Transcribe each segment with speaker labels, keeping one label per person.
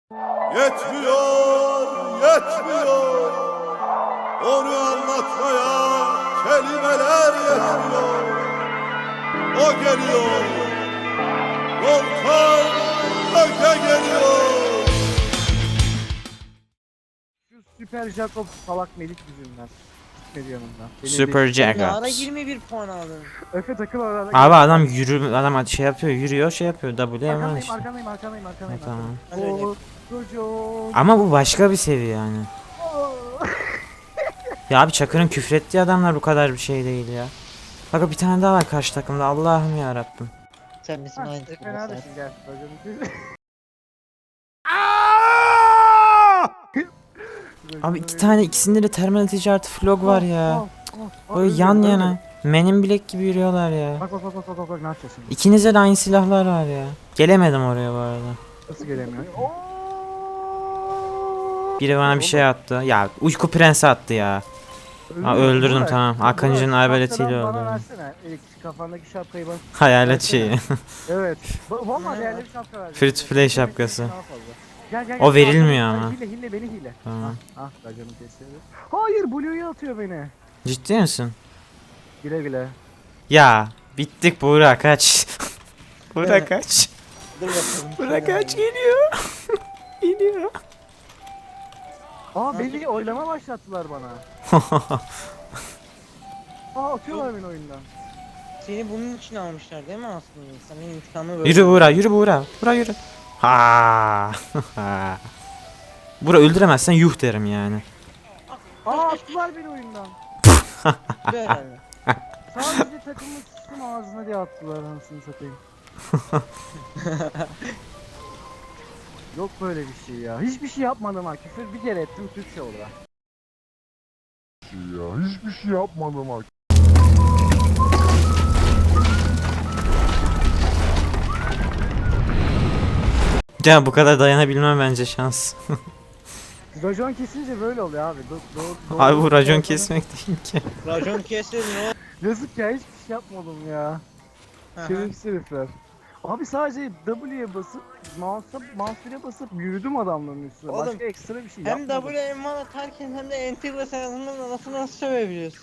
Speaker 1: Yetmiyor, yetmiyor. Onu anlatmaya kelimeler yetmiyor. O geliyor. Volkan Öke geliyor.
Speaker 2: Şu Süper Jacob salak Melik yüzünden. Gitmedi yanımdan.
Speaker 3: Super
Speaker 4: Ne ara
Speaker 3: Jacobs.
Speaker 4: 21 puan aldın?
Speaker 2: Efe takıl arada.
Speaker 3: Abi adam adam şey yapıyor, yürüyor, şey yapıyor. W hemen
Speaker 2: Arkandayım,
Speaker 3: işte.
Speaker 2: arkandayım.
Speaker 3: Ha, tamam.
Speaker 4: Az önce.
Speaker 2: Kocaman.
Speaker 3: Ama bu başka bir seviye yani. Ya abi Çakır'ın küfrettiği adamlar bu kadar bir şey değil ya. Bak bir tane daha var karşı takımda. Allah'ım ya Rabbim.
Speaker 4: Sen misin aynı
Speaker 2: Efe
Speaker 4: takımda
Speaker 2: neredesin gel.
Speaker 3: Abi iki tane ikisinde de termal ticareti vlog var ya. Böyle yan yana. Men in Black gibi yürüyorlar ya.
Speaker 2: Bak ne yapacağız şimdi?
Speaker 3: İkinize de aynı silahlar var ya. Gelemedim oraya bu arada.
Speaker 2: Nasıl gelemiyor?
Speaker 3: Biri bana bir şey attı. Ya uyku prensi attı ya. Ha, öldürdüm, tamam. Akıncı'nın arbeletiyle
Speaker 2: Bana
Speaker 3: öldürdüm.
Speaker 2: versene. Kafandaki şapkayı bak.
Speaker 3: Hayalet şeyi.
Speaker 2: Evet. Valla değerli bir şapka ver.
Speaker 3: Free to play şapkası.
Speaker 2: Daha fazla. Gel.
Speaker 3: O verilmiyor ama.
Speaker 2: Hile beni hile.
Speaker 3: Tamam.
Speaker 2: Ah raconu kesiyor. Hayır Blue'yu atıyor beni.
Speaker 3: Ciddi misin?
Speaker 2: Güle güle.
Speaker 3: Ya bittik Buğra, kaç. Buğra kaç.
Speaker 4: Dur bakalım.
Speaker 3: Buğra kaç geliyor. Geliyor.
Speaker 2: Aa beni oylama başlattılar bana. Aa atıyorlar beni oyundan.
Speaker 4: Seni bunun için almışlar değil mi aslında? Sen benim intikamımı böyle...
Speaker 3: Yürü Buğra, yürü Buğra. Buğra yürü. Ha. Buğra öldüremezsen yuh derim yani.
Speaker 2: Aa attılar beni oyundan.
Speaker 4: Böyle herhalde.
Speaker 2: Sadece takımın sıçtım ağzına diye attılar anasını satayım. Yok böyle bir şey ya. Hiçbir şey yapmadım ha. Küfür bir kere ettim Türkçe olarak.
Speaker 5: Hiçbir şey yapmadım ha.
Speaker 3: Ya bu kadar dayanabilmem bence şans.
Speaker 2: Racon kesince böyle oluyor abi.
Speaker 3: Abi bu racon kesmek değil ki.
Speaker 4: Racon kesin ne?
Speaker 2: Yazık ya hiçbir şey yapmadım ya. Şerefsiz herifler. Abi sadece W'ye basıp mouse'e basıp yürüdüm adamların üstüne.
Speaker 4: Oğlum,
Speaker 2: Başka ekstra bir şey
Speaker 4: Hem
Speaker 2: yapmadım.
Speaker 4: WM1 atarken hem de enter ve sayısından lafı nasıl sövebiliyorsun?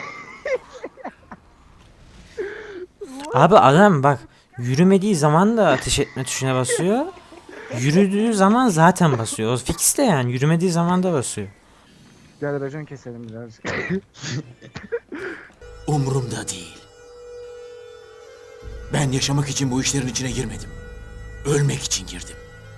Speaker 3: Abi adam bak yürümediği zaman da ateş etme tuşuna basıyor. Yürüdüğü zaman zaten basıyor. O fix de yani yürümediği zaman da basıyor.
Speaker 2: Gel racon keselim birazcık.
Speaker 6: Umurumda değil. Ben yaşamak için bu işlerin içine girmedim. Ölmek için girdim.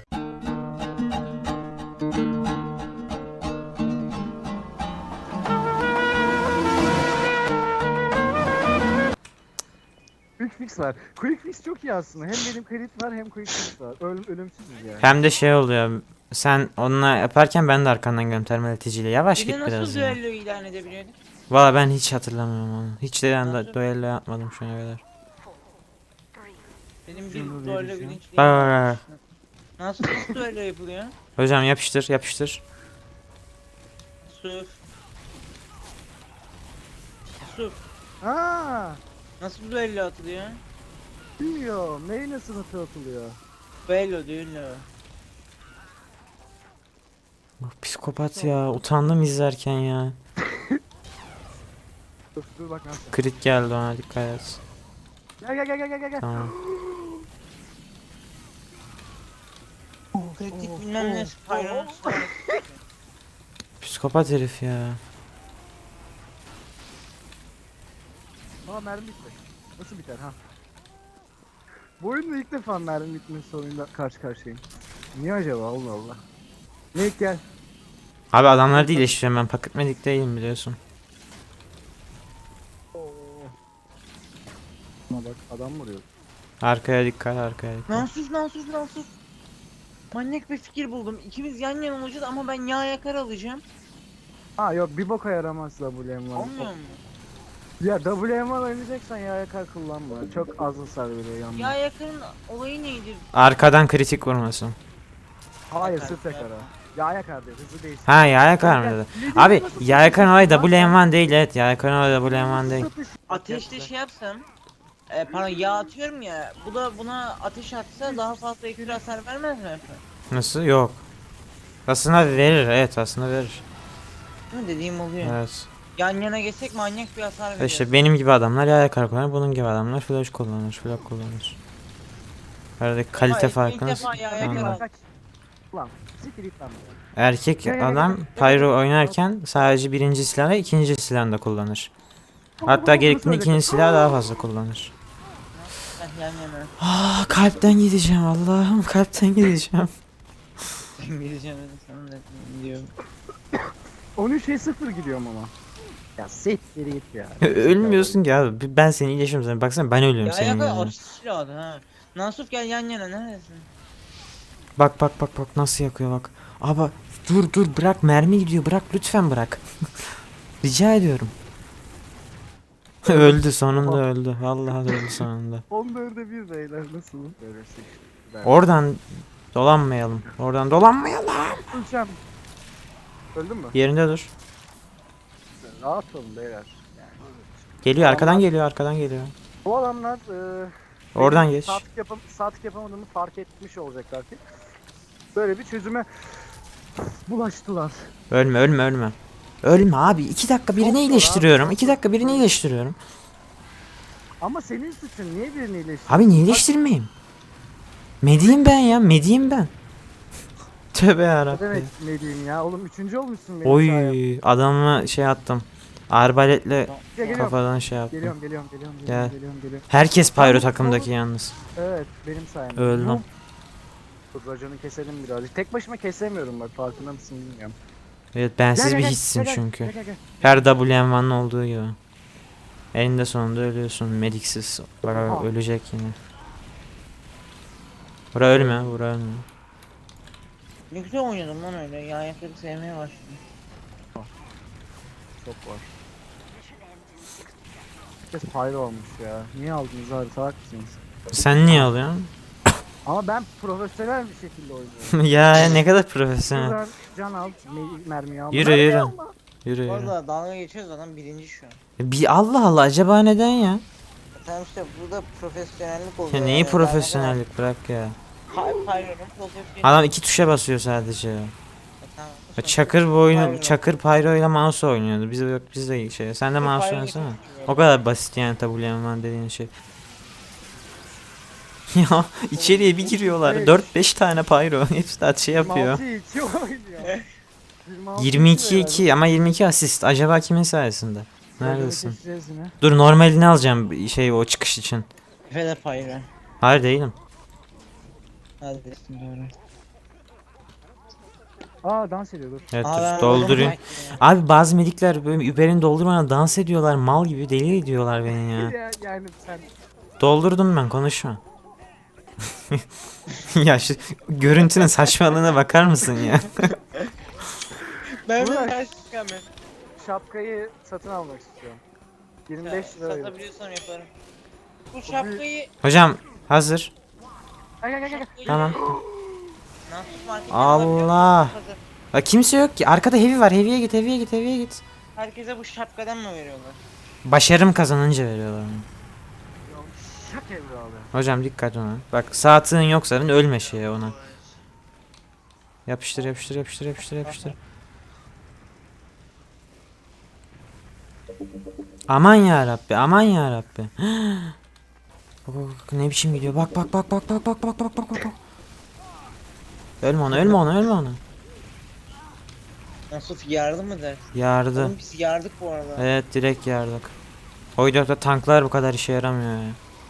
Speaker 2: Quick fix var. Quick fix çok iyi aslında. Hem benim kredit var hem quick fix var. Ölümsüzüz yani.
Speaker 3: Hem de şey oluyor. Sen onunla yaparken ben de arkandan geliyorum termometreciyle. Yavaş
Speaker 4: Bir de
Speaker 3: git
Speaker 4: nasıl
Speaker 3: biraz ya.
Speaker 4: düello ilan edebiliyorduk?
Speaker 3: Valla ben hiç hatırlamıyorum onu. Hiç de yani duello yapmadım şu ana kadar.
Speaker 4: Benim
Speaker 2: Şunu
Speaker 4: bir düello
Speaker 2: vereceğim.
Speaker 4: bilinçli.
Speaker 3: Bak.
Speaker 4: Nasıl düello yapılıyor?
Speaker 3: Hocam yapıştır.
Speaker 4: Suf. Suf.
Speaker 2: Aa,
Speaker 4: Nasıl düello atılıyor?
Speaker 2: bilmiyorum. Neyi nasıl atılıyor?
Speaker 4: Düello.
Speaker 3: Psikopat ya. Utandım izlerken ya.
Speaker 2: Dur bak nasıl.
Speaker 3: Crit geldi ona, dikkat et.
Speaker 2: Gel.
Speaker 3: Tamam.
Speaker 4: Kritik bilmem ne Spyro.
Speaker 3: Psikopat herif ya.
Speaker 2: Aa mermi bitmiş. Nasıl biter ha? Bu oyunda ilk defa mermi bitmesi sorunuyla karşı karşıyayım. Niye acaba Allah Allah. Ne gel.
Speaker 3: Abi adamlar değil eşliyorum, ben paket medik değilim biliyorsun.
Speaker 2: Ama bak adam vuruyor.
Speaker 3: Arkaya dikkat.
Speaker 4: Lan sus. Manyak bir fikir buldum. İkimiz yan yana olacağız ama ben yağ yakar alacağım.
Speaker 2: Ha yok bir boka yaramaz WM var.
Speaker 4: Olmuyor mu?
Speaker 2: Ya WM var oynayacaksan yağ yakar kullanma. Çok az hasar veriyor yanına.
Speaker 4: Yağ yakarın olayı neydi?
Speaker 3: Arkadan kritik vurmasın.
Speaker 2: Hayır
Speaker 4: yakar,
Speaker 2: sırt yakar o. Yağ yakar diyor hızlı değiştir.
Speaker 3: Ha yağ yakar mı dedi. Abi yağ yakan olay WM1 değil, evet yağ yakan olay WM1 değil.
Speaker 4: Ateşte şey yapsam, pardon yağ atıyorum ya, bu da buna ateş atsa daha fazla ekür hasar vermez mi efendim?
Speaker 3: Nasıl? Yok. Aslında verir, evet aslında verir.
Speaker 4: Değil mi? Dediğim oluyor.
Speaker 3: Evet.
Speaker 4: Yan yana geçsek manyak bir hasar veriyor.
Speaker 3: İşte benim gibi adamlar yaya kar kullanır, bunun gibi adamlar flash kullanır, flak kullanır. Aradaki kalite
Speaker 4: ilk
Speaker 3: farkını
Speaker 4: defa yaya
Speaker 3: anla.
Speaker 4: kar-
Speaker 2: Kaç. Ulan siktir git lan.
Speaker 3: Erkek
Speaker 2: Gel, gel, gel,
Speaker 3: adam
Speaker 2: gel.
Speaker 3: pyro oynarken sadece birinci silahı ikinci silahını da kullanır. Hatta gerektiğinde ikinci silahı daha fazla kullanır.
Speaker 4: Heh, yan yana.
Speaker 3: Kalpten gideceğim Allah'ım, kalpten gideceğim.
Speaker 4: Ben gideceğim dedim sana da diyorum.
Speaker 2: 13'e 0 gidiyorum ama. Ya siktir git ya.
Speaker 3: Ölmüyorsun ki abi, ben seni iyileşiyorum sana, baksana ben ölüyorum
Speaker 4: Ya
Speaker 3: senin
Speaker 4: yaka
Speaker 3: yüzünden.
Speaker 4: asist silahı ha. Nasuf gel yan yana neredesin?
Speaker 3: Bak bak bak bak nasıl yakıyor bak. Abi dur bırak, mermi gidiyor, bırak lütfen bırak. Rica ediyorum. Öldü sonunda, öldü. Vallahi öldü sonunda.
Speaker 2: 14'e 1 beyler nasıl? Böyle sıkıştı.
Speaker 3: Oradan dolanmayalım. Oradan dolanmayalım.
Speaker 2: Öleceğim. Öldün mü?
Speaker 3: Yerinde dur.
Speaker 2: Rahat olun beyler.
Speaker 3: Geliyor arkadan geliyor, arkadan geliyor.
Speaker 2: Bu adamlar
Speaker 3: Oradan
Speaker 2: benim
Speaker 3: geç.
Speaker 2: saatlik yapamadığımı fark etmiş olacaklar ki. Böyle bir çözüme bulaştılar.
Speaker 3: Ölme ölme ölme. Ölme abi, 2 dakika birini
Speaker 2: Çok zor
Speaker 3: iyileştiriyorum.
Speaker 2: abi.
Speaker 3: 2 dakika birini iyileştiriyorum.
Speaker 2: Ama senin suçun niye birini iyileştirdin?
Speaker 3: Abi niye iyileştirmeyeyim? Mediyim ben ya, mediyim ben. Tövbe
Speaker 2: Ne
Speaker 3: yarabbim.
Speaker 2: demek ne diyeyim ya? Oğlum 3. olmuşsun benim sayemde.
Speaker 3: Oy, adamı şey attım. Arbaletle
Speaker 2: Ya, geliyorum.
Speaker 3: kafadan şey yaptım.
Speaker 2: Geliyorum.
Speaker 3: Gel.
Speaker 2: Geliyorum.
Speaker 3: Herkes pyro
Speaker 2: Tamam,
Speaker 3: takımdaki
Speaker 2: tamam.
Speaker 3: yalnız.
Speaker 2: Evet benim sayemde.
Speaker 3: Öldüm.
Speaker 2: Dur raconu keselim birazcık. Tek başıma kesemiyorum bak, farkında mısın bilmiyorum.
Speaker 3: Evet, bensiz
Speaker 2: Gel,
Speaker 3: bir
Speaker 2: gel,
Speaker 3: hiçsin
Speaker 2: gel,
Speaker 3: çünkü.
Speaker 2: Gel.
Speaker 3: Her WM1'ın olduğu gibi. Eninde sonunda ölüyorsun mediksiz. Bak
Speaker 2: Oha.
Speaker 3: ölecek yine. Bura ölme, bura ölme.
Speaker 4: Ne güzel oynadım lan öyle. Ya ayakları sevmeye başladım.
Speaker 2: Çok var. Herkes pyro olmuş ya. Niye aldınız abi, salak mısınız?
Speaker 3: Sen niye alıyorsun?
Speaker 2: Ama ben profesyonel bir şekilde oynuyorum.
Speaker 3: Ya ne kadar profesyonel.
Speaker 2: Buradan can al, mermi al.
Speaker 3: Yürü
Speaker 2: Mermi
Speaker 3: yürü.
Speaker 2: alma.
Speaker 3: Yürü yürü.
Speaker 4: Valla dalga geçiyoruz, adam birinci şu an.
Speaker 3: Bir Allah Allah, acaba neden ya?
Speaker 4: Tamam işte burada profesyonellik oluyor.
Speaker 3: Ya neyi
Speaker 4: yani.
Speaker 3: profesyonellik, bırak ya.
Speaker 4: Pyro'nun profesyonellik.
Speaker 3: Adam 2 tuşa basıyor sadece.
Speaker 4: Tamam.
Speaker 3: Çakır bu oyunu,
Speaker 4: Pyro.
Speaker 3: Çakır Pyro ile mouse oynuyordu. Biz de yok, biz de şey. Sen de mouse
Speaker 4: Pyro
Speaker 3: oynasana.
Speaker 4: getirmiş
Speaker 3: O kadar basit yani WM1 dediğin şey. Ya içeriye bir giriyorlar.
Speaker 2: Evet.
Speaker 3: 4-5 tane pyro. Hepsi de şey yapıyor.
Speaker 2: 26-2 oynuyor.
Speaker 3: 22-2 ama 22 asist. Acaba kimin sayesinde? Neredesin?
Speaker 2: Keseceğiz yine.
Speaker 3: Dur, normalini alacağım şey o çıkış için.
Speaker 4: Efe de Pyro.
Speaker 3: Hayır değilim.
Speaker 4: Hadi desin doğru.
Speaker 2: Aa dans ediyor dur.
Speaker 3: Evet
Speaker 4: Aa, ben
Speaker 3: dur doldurayım.
Speaker 4: oldum belki ya.
Speaker 3: Abi bazı medikler böyle Uber'in doldurmadan dans ediyorlar. Mal gibi deli ediyorlar beni ya.
Speaker 2: Yani sen
Speaker 3: Doldurdum ben, konuşma. Ya şu görüntünün saçmalığına bakar mısın ya?
Speaker 4: Ben
Speaker 2: Uğraş.
Speaker 4: bunu ters çıkamam.
Speaker 2: şapkayı satın almak istiyorum. 25 lira.
Speaker 4: Satabiliyorsam yaparım. Bu şapkayı
Speaker 3: Hocam hazır.
Speaker 2: Gel.
Speaker 3: Tamam.
Speaker 4: Nasıl marketten
Speaker 3: Allah.
Speaker 4: alabiliyor musun?
Speaker 3: Ya kimse yok ki. Arkada heavy var. Heavy'ye git, heavy'ye git, heavy'ye git.
Speaker 4: Herkese bu şapkadan mı veriyorlar?
Speaker 3: Başarım kazanınca veriyorlar onu.
Speaker 2: Şak evladı.
Speaker 3: Hocam dikkat ona. Bak sağ tığın yoksa ölme şeye ona. Yapıştır yapıştır yapıştır yapıştır yapıştır. Aman ya Rabbi, aman ya Rabbi. Bak, bak, ne biçim gidiyor? Bak bak bak bak bak bak bak bak bak bak. Ölme ona, ölme ona, ölme ona.
Speaker 4: Nasıl yardım mı der?
Speaker 3: Yardı.
Speaker 4: Oğlum biz yardık bu arada.
Speaker 3: Evet, direkt yardık. Oyunda tanklar bu kadar işe yaramıyor ya.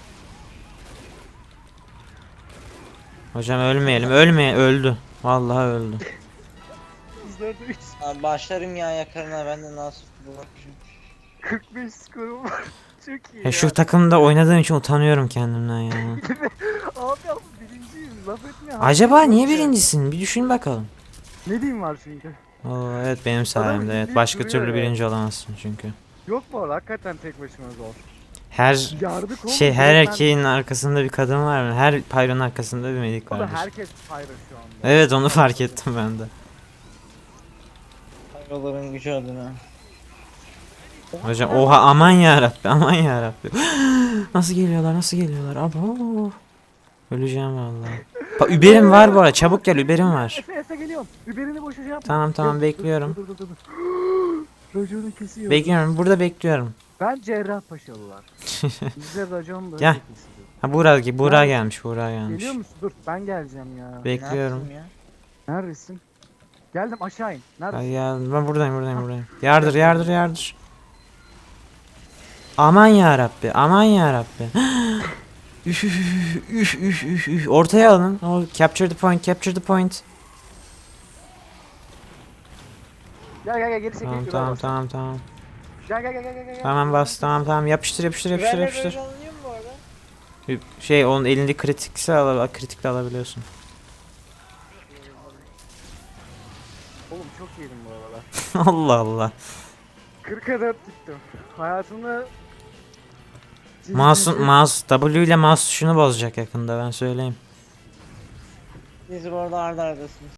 Speaker 3: Hocam ölmeyelim, öldü. Vallahi öldü.
Speaker 2: 34 3
Speaker 4: Abi başlarım ya yakarına, ben de nasıl bakacağım.
Speaker 2: 45 skorum var. Çok iyi
Speaker 3: Ya şu takımda oynadığım için utanıyorum kendimden ya.
Speaker 2: Abi birinciyiz, laf etme.
Speaker 3: Acaba niye birincisin? Bir düşün bakalım.
Speaker 2: Ne diyeyim var çünkü.
Speaker 3: Oo, evet benim sayemde. Evet,
Speaker 2: bildiğin
Speaker 3: başka
Speaker 2: duruyor
Speaker 3: türlü
Speaker 2: ya.
Speaker 3: birinci olamazsın çünkü.
Speaker 2: Yok bu arada hakikaten tek başıma zor.
Speaker 3: Her
Speaker 2: Yardık oğlum.
Speaker 3: şey, her
Speaker 2: direkt ben-
Speaker 3: erkeğin arkasında bir kadın var mı? Her pyronun arkasında bir medik
Speaker 2: O da
Speaker 3: vardır.
Speaker 2: herkes pyro şu anda.
Speaker 3: Evet, onu fark ettim ben de.
Speaker 4: Pyroların gücü adına.
Speaker 3: Hocam oha, aman ya Rabbi, aman ya Rabbi. Nasıl geliyorlar, nasıl geliyorlar? Abo. Öleceğim vallahi. Uber'im var bu arada. Çabuk gel, Uber'im var.
Speaker 2: Efe geliyorum. Biberini boşa şey yapma.
Speaker 3: Tamam, tamam,
Speaker 2: Dur,
Speaker 3: bekliyorum.
Speaker 2: Dur. Raconu kesiyor.
Speaker 3: Bekliyorum. Burada bekliyorum.
Speaker 2: Ben Cerrahpaşalılar. Bizde racon da
Speaker 3: Gel.
Speaker 2: öyle kesiliyor.
Speaker 3: Ha Buğra
Speaker 2: Nerede?
Speaker 3: gelmiş. Buğra gelmiş.
Speaker 2: Geliyor musun? Dur ben geleceğim ya.
Speaker 3: Bekliyorum.
Speaker 4: Ne yapayım ya?
Speaker 2: Neredesin? Geldim aşağı in. Neredesin?
Speaker 3: Hadi gel. Ben buradayım. Yardır. Aman ya Rabbi. Üf. Ortaya alın. Capture the point.
Speaker 2: Gel geri çekil.
Speaker 3: Tamam.
Speaker 2: Gel.
Speaker 3: Tamam bas. Tamam. Yapıştır.
Speaker 4: Güvenle böyle alınıyor mu bu arada?
Speaker 3: Şey, onun elinde kritikle alabiliyorsun.
Speaker 2: Oğlum çok yedim bu aralar.
Speaker 3: Allah.
Speaker 2: 40'a 4 gittim. Hayatımda
Speaker 3: Mouse W ile mouse tuşunu bozacak yakında, ben söyleyeyim.
Speaker 4: Siz bu arada ardasınız.